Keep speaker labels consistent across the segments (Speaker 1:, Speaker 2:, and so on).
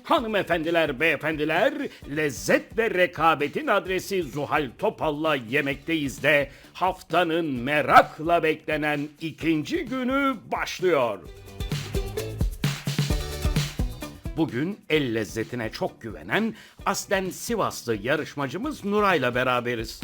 Speaker 1: Hanımefendiler, beyefendiler, lezzet ve rekabetin adresi Zuhal Topal'la yemekteyiz de haftanın merakla beklenen ikinci günü başlıyor. Bugün el lezzetine çok güvenen aslen Sivaslı yarışmacımız Nuray'la beraberiz.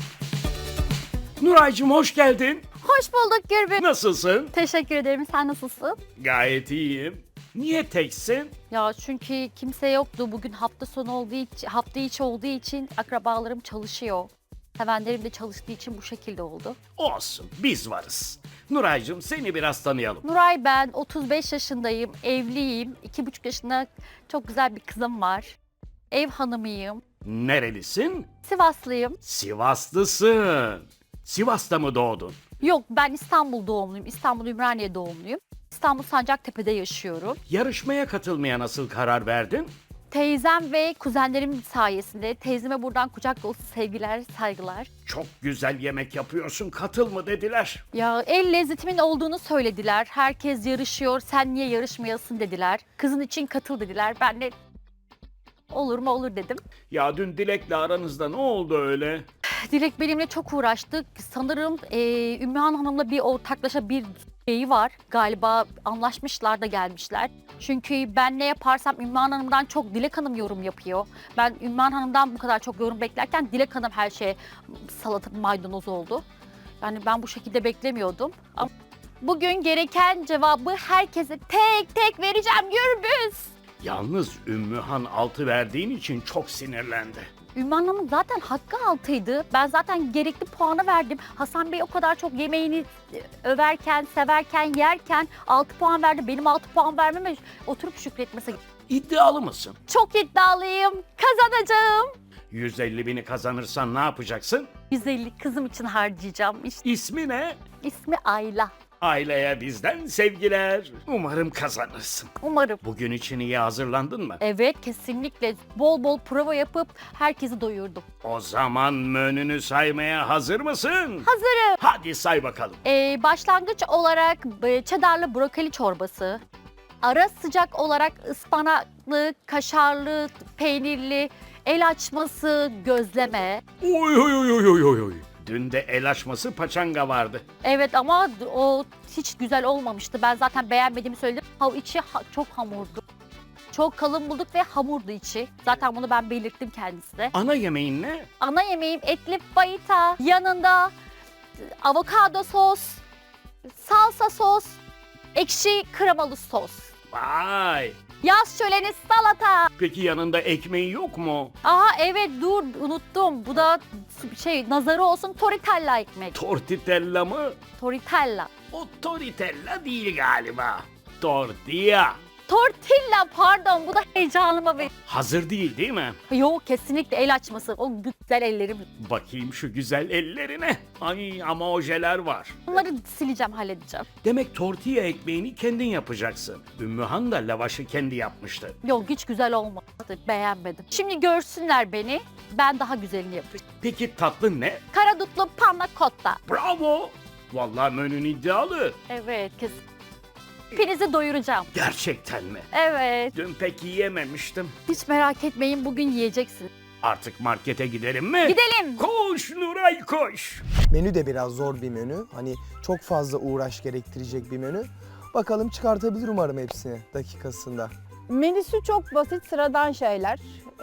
Speaker 1: Nuray'cığım hoş geldin.
Speaker 2: Hoş bulduk Gürbüz.
Speaker 1: Nasılsın?
Speaker 2: Teşekkür ederim. Sen nasılsın?
Speaker 1: Gayet iyiyim. Niye teksin?
Speaker 2: Ya çünkü kimse yoktu. Bugün hafta sonu olduğu için, hafta içi olduğu için akrabalarım çalışıyor. Sevenlerim de çalıştığı için bu şekilde oldu.
Speaker 1: Olsun, biz varız. Nuray'cığım seni biraz tanıyalım.
Speaker 2: Nuray ben 35 yaşındayım. Evliyim. 2,5 yaşında çok güzel bir kızım var. Ev hanımıyım.
Speaker 1: Nerelisin?
Speaker 2: Sivaslıyım.
Speaker 1: Sivaslısın. Sivas'ta mı doğdun?
Speaker 2: Yok ben İstanbul doğumluyum. İstanbul Ümraniye doğumluyum. İstanbul Sancaktepe'de yaşıyorum.
Speaker 1: Yarışmaya katılmaya nasıl karar verdin?
Speaker 2: Teyzem ve kuzenlerim sayesinde teyzeme buradan kucak dolusu sevgiler, saygılar.
Speaker 1: Çok güzel yemek yapıyorsun, katıl mı dediler.
Speaker 2: Ya el lezzetimin olduğunu söylediler. Herkes yarışıyor, sen niye yarışmayasın dediler. Kızın için katıl dediler. Ben de olur mu olur dedim.
Speaker 1: Ya dün Dilek'le aranızda ne oldu öyle?
Speaker 2: Dilek benimle çok uğraştık. Sanırım Ümmühan Hanım'la bir ortaklaşa bir şeyi var. Galiba anlaşmışlar da gelmişler. Çünkü ben ne yaparsam Ümmühan Hanım'dan çok Dilek Hanım yorum yapıyor. Ben Ümmühan Hanım'dan bu kadar çok yorum beklerken Dilek Hanım her şeye salata maydanoz oldu. Yani ben bu şekilde beklemiyordum. Ama bugün gereken cevabı herkese tek tek vereceğim Gürbüz.
Speaker 1: Yalnız Ümmühan altı verdiğin için çok sinirlendi.
Speaker 2: Ümmühan Hanım'ın zaten hakkı altıydı. Ben zaten gerekli puanı verdim. Hasan Bey o kadar çok yemeğini överken, severken, yerken 6 puan verdi. Benim 6 puan vermeme oturup şükretmesi.
Speaker 1: İddialı mısın?
Speaker 2: Çok iddialıyım. Kazanacağım.
Speaker 1: 150 bini kazanırsan ne yapacaksın?
Speaker 2: 150 kızım için harcayacağım. İşte
Speaker 1: İsmi ne?
Speaker 2: ismi Ayla.
Speaker 1: Aileye bizden sevgiler. Umarım kazanırsın.
Speaker 2: Umarım.
Speaker 1: Bugün için iyi hazırlandın mı?
Speaker 2: Evet kesinlikle bol bol prova yapıp herkesi doyurdum.
Speaker 1: O zaman menünü saymaya hazır mısın?
Speaker 2: Hazırım.
Speaker 1: Hadi say bakalım.
Speaker 2: Başlangıç olarak çedarlı brokoli çorbası. Ara sıcak olarak ıspanaklı, kaşarlı, peynirli, el açması, gözleme.
Speaker 1: Oy oy oy oy oy oy oy. Dün de el açması paçanga vardı.
Speaker 2: Evet ama o hiç güzel olmamıştı. Ben zaten beğenmediğimi söyledim. İçi çok hamurdu. Çok kalın bulduk ve hamurdu içi. Zaten bunu ben belirttim kendisine.
Speaker 1: Ana yemeğin ne?
Speaker 2: Ana yemeğim etli fajita. Yanında avokado sos, salsa sos, ekşi kremalı sos.
Speaker 1: Vay.
Speaker 2: Yaz şöleni salata.
Speaker 1: Peki yanında ekmeği yok mu?
Speaker 2: Aha evet dur unuttum. Bu da nazarı olsun tortilla ekmek.
Speaker 1: Tortitella mı?
Speaker 2: Tortilla.
Speaker 1: O tortilla değil galiba. Tortilla.
Speaker 2: Tortilla pardon bu da heyecanıma ve...
Speaker 1: Hazır değil mi?
Speaker 2: Yok kesinlikle el açması. O güzel ellerim.
Speaker 1: Bakayım şu güzel ellerine. Ay ama ojeler var.
Speaker 2: Bunları sileceğim halledeceğim.
Speaker 1: Demek tortilla ekmeğini kendin yapacaksın. Ümmühan da lavaşı kendi yapmıştı.
Speaker 2: Yok hiç güzel olmadı. Beğenmedim. Şimdi görsünler beni. Ben daha güzelini yapacağım.
Speaker 1: Peki tatlı ne?
Speaker 2: Karadutlu panna cotta.
Speaker 1: Bravo. Vallahi menün iddialı.
Speaker 2: Evet kesin. Hepinizi doyuracağım.
Speaker 1: Gerçekten mi?
Speaker 2: Evet.
Speaker 1: Dün pek yiyememiştim.
Speaker 2: Hiç merak etmeyin bugün yiyeceksin.
Speaker 1: Artık markete gidelim mi?
Speaker 2: Gidelim.
Speaker 1: Koş Nuray koş.
Speaker 3: Menü de biraz zor bir menü. Hani çok fazla uğraş gerektirecek bir menü. Bakalım çıkartabilir umarım hepsini dakikasında.
Speaker 4: Menüsü çok basit, sıradan şeyler.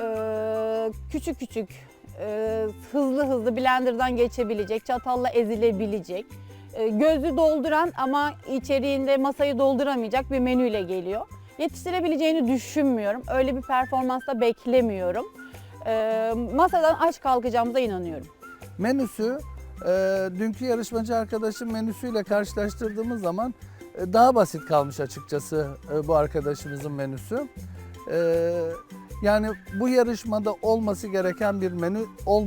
Speaker 4: Küçük küçük, hızlı hızlı blenderdan geçebilecek, çatalla ezilebilecek. Gözü dolduran ama içeriğinde masayı dolduramayacak bir menüyle geliyor. Yetiştirebileceğini düşünmüyorum. Öyle bir performans da beklemiyorum. Masadan aç kalkacağımıza inanıyorum.
Speaker 5: Menüsü dünkü yarışmacı arkadaşın menüsüyle karşılaştırdığımız zaman daha basit kalmış açıkçası bu arkadaşımızın menüsü. Yani bu yarışmada olması gereken bir menü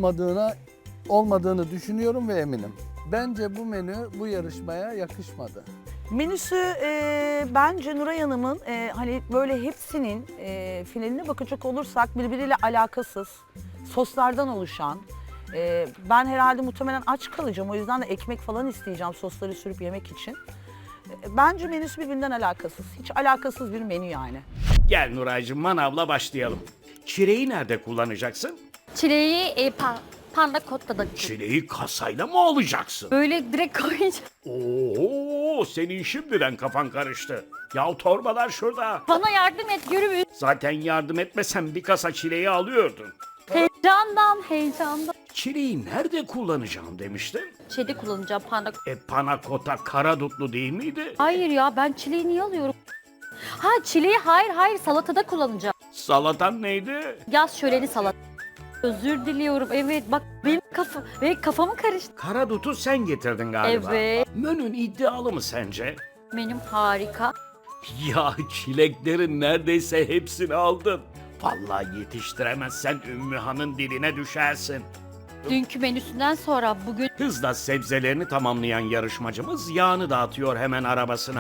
Speaker 5: olmadığını düşünüyorum ve eminim. Bence bu menü bu yarışmaya yakışmadı.
Speaker 6: Menüsü bence Nuray Hanım'ın hani böyle hepsinin finaline bakacak olursak birbiriyle alakasız, soslardan oluşan. Ben herhalde muhtemelen aç kalacağım, o yüzden de ekmek falan isteyeceğim sosları sürüp yemek için. Bence menüsü birbirinden alakasız, hiç alakasız bir menü yani.
Speaker 1: Gel Nuraycığım manavla başlayalım. Çileği nerede kullanacaksın?
Speaker 2: Çileği panda cotta'da.
Speaker 1: Çileği kasayla mı alacaksın?
Speaker 2: Böyle direkt koyacağım.
Speaker 1: Oo, senin şimdiden kafan karıştı. Yahu torbalar şurada.
Speaker 2: Bana yardım et Gürbüz.
Speaker 1: Zaten yardım etmesen bir kasa çileği alıyordun.
Speaker 2: Heyecandan.
Speaker 1: Çileği nerede kullanacağım demiştin?
Speaker 2: Şeyde kullanacağım panda.
Speaker 1: Panakota karadutlu değil miydi?
Speaker 2: Hayır ya, ben çileği niye alıyorum? Ha, çileği hayır salatada kullanacağım.
Speaker 1: Salatan neydi?
Speaker 2: Yaz şöleni salata. Özür diliyorum. Evet bak benim kafamı karıştı.
Speaker 1: Karadutu sen getirdin galiba.
Speaker 2: Evet.
Speaker 1: Menün iddialı mı sence?
Speaker 2: Benim harika.
Speaker 1: Ya çileklerin neredeyse hepsini aldın. Vallahi yetiştiremezsen Ümmühan'ın diline düşersin.
Speaker 2: Dünkü menüsünden sonra bugün
Speaker 1: Hızla sebzelerini tamamlayan yarışmacımız yağını dağıtıyor hemen arabasına.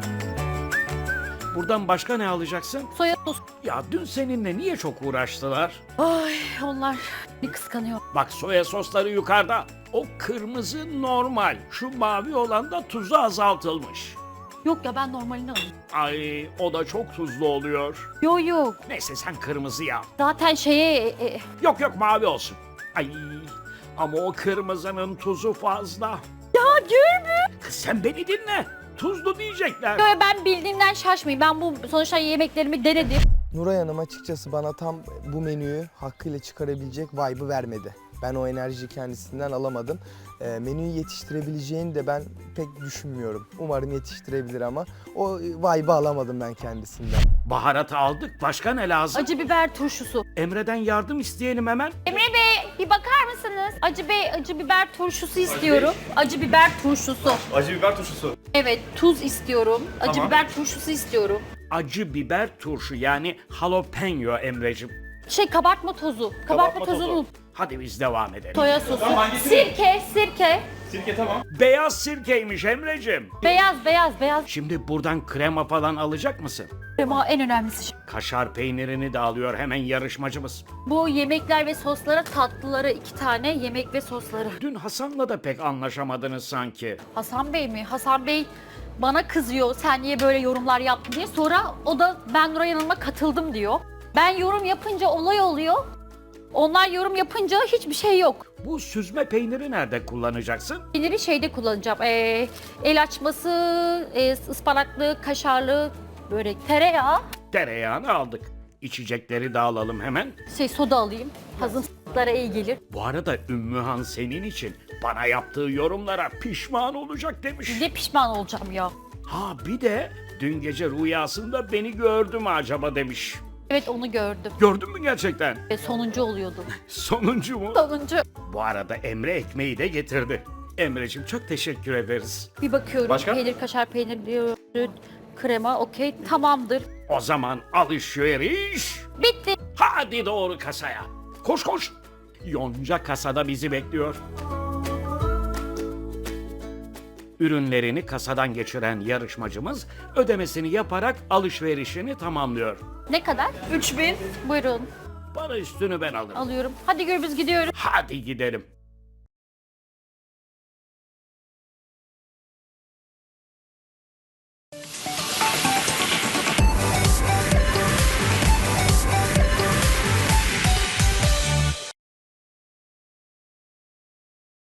Speaker 1: Buradan başka ne alacaksın?
Speaker 2: soya sos.
Speaker 1: Ya dün seninle niye çok uğraştılar?
Speaker 2: Ay, onlar bir kıskanıyor.
Speaker 1: Bak soya sosları yukarıda. O kırmızı normal. Şu mavi olan da tuzu azaltılmış.
Speaker 2: Yok ya, ben normalini alayım.
Speaker 1: Ay o da çok tuzlu oluyor.
Speaker 2: Yok.
Speaker 1: Neyse sen kırmızı ya.
Speaker 2: Zaten
Speaker 1: Yok mavi olsun. Ay ama o kırmızının tuzu fazla.
Speaker 2: Ya Gürbüz.
Speaker 1: Kız sen beni dinle. Tuzlu diyecekler.
Speaker 2: Yo, ben bildiğimden şaşmayayım. Ben bu sonuçta yemeklerimi denedim.
Speaker 3: Nuray Hanım açıkçası bana tam bu menüyü hakkıyla çıkarabilecek vibe'ı vermedi. Ben o enerjiyi kendisinden alamadım. Menüyü yetiştirebileceğini de ben pek düşünmüyorum. Umarım yetiştirebilir ama o vibe'ı alamadım ben kendisinden.
Speaker 1: Baharatı aldık. Başka ne lazım?
Speaker 2: Acı biber turşusu.
Speaker 1: Emre'den yardım isteyelim hemen.
Speaker 2: Emre Bey, bir bakar mısınız? Acı biber turşusu istiyorum. Acı biber turşusu.
Speaker 7: Acı biber turşusu.
Speaker 2: Evet, tuz istiyorum. Acı
Speaker 7: Tamam.
Speaker 2: biber turşusu istiyorum.
Speaker 1: Acı biber turşu yani jalapeno Emre'cim.
Speaker 2: Kabartma tozu.
Speaker 7: Kabartma tozu.
Speaker 2: tozunu.
Speaker 1: Hadi biz devam edelim.
Speaker 2: Soya sosu.
Speaker 7: Tamam, hangisi?
Speaker 2: Sirke.
Speaker 7: Sirke tamam.
Speaker 1: Beyaz sirkeymiş Emre'cim.
Speaker 2: Beyaz.
Speaker 1: Şimdi buradan krema falan alacak mısın?
Speaker 2: Krema en önemlisi.
Speaker 1: Kaşar peynirini de alıyor hemen yarışmacımız.
Speaker 2: Bu yemekler ve soslara, tatlıları 2 tane yemek ve sosları.
Speaker 1: Dün Hasan'la da pek anlaşamadınız sanki.
Speaker 2: Hasan Bey mi? Hasan Bey bana kızıyor. Sen niye böyle yorumlar yaptın diye. Sonra o da ben Nuray Hanım'a katıldım diyor. Ben yorum yapınca olay oluyor. Onlar yorum yapınca hiçbir şey yok.
Speaker 1: Bu süzme peyniri nerede kullanacaksın?
Speaker 2: Peyniri şeyde kullanacağım. El açması, ıspanaklı, kaşarlı, börek, tereyağı,
Speaker 1: Tereyağını aldık. İçecekleri de alalım hemen.
Speaker 2: soda alayım. Hazırlıklara iyi gelir.
Speaker 1: Bu arada Ümmühan senin için bana yaptığı yorumlara pişman olacak demiş.
Speaker 2: Ne pişman olacağım ya.
Speaker 1: Ha bir de dün gece rüyasında beni gördü mü acaba demiş.
Speaker 2: Evet, onu gördüm.
Speaker 1: Gördün mü gerçekten?
Speaker 2: Sonuncu oluyordu.
Speaker 1: Sonuncu mu?
Speaker 2: Sonuncu.
Speaker 1: Bu arada Emre ekmeği de getirdi. Emre'cim çok teşekkür ederiz.
Speaker 2: Bir bakıyorum.
Speaker 7: Başka?
Speaker 2: Peynir, kaşar peynir, krema, okey, tamamdır.
Speaker 1: O zaman alışveriş.
Speaker 2: Bitti.
Speaker 1: Hadi doğru kasaya. Koş. Yonca kasada bizi bekliyor. Ürünlerini kasadan geçiren yarışmacımız ödemesini yaparak alışverişini tamamlıyor.
Speaker 2: Ne kadar?
Speaker 6: 3000.
Speaker 2: Buyurun.
Speaker 1: Para üstünü ben alırım.
Speaker 2: Alıyorum. Hadi Gürbüz, gidiyoruz.
Speaker 1: Hadi gidelim.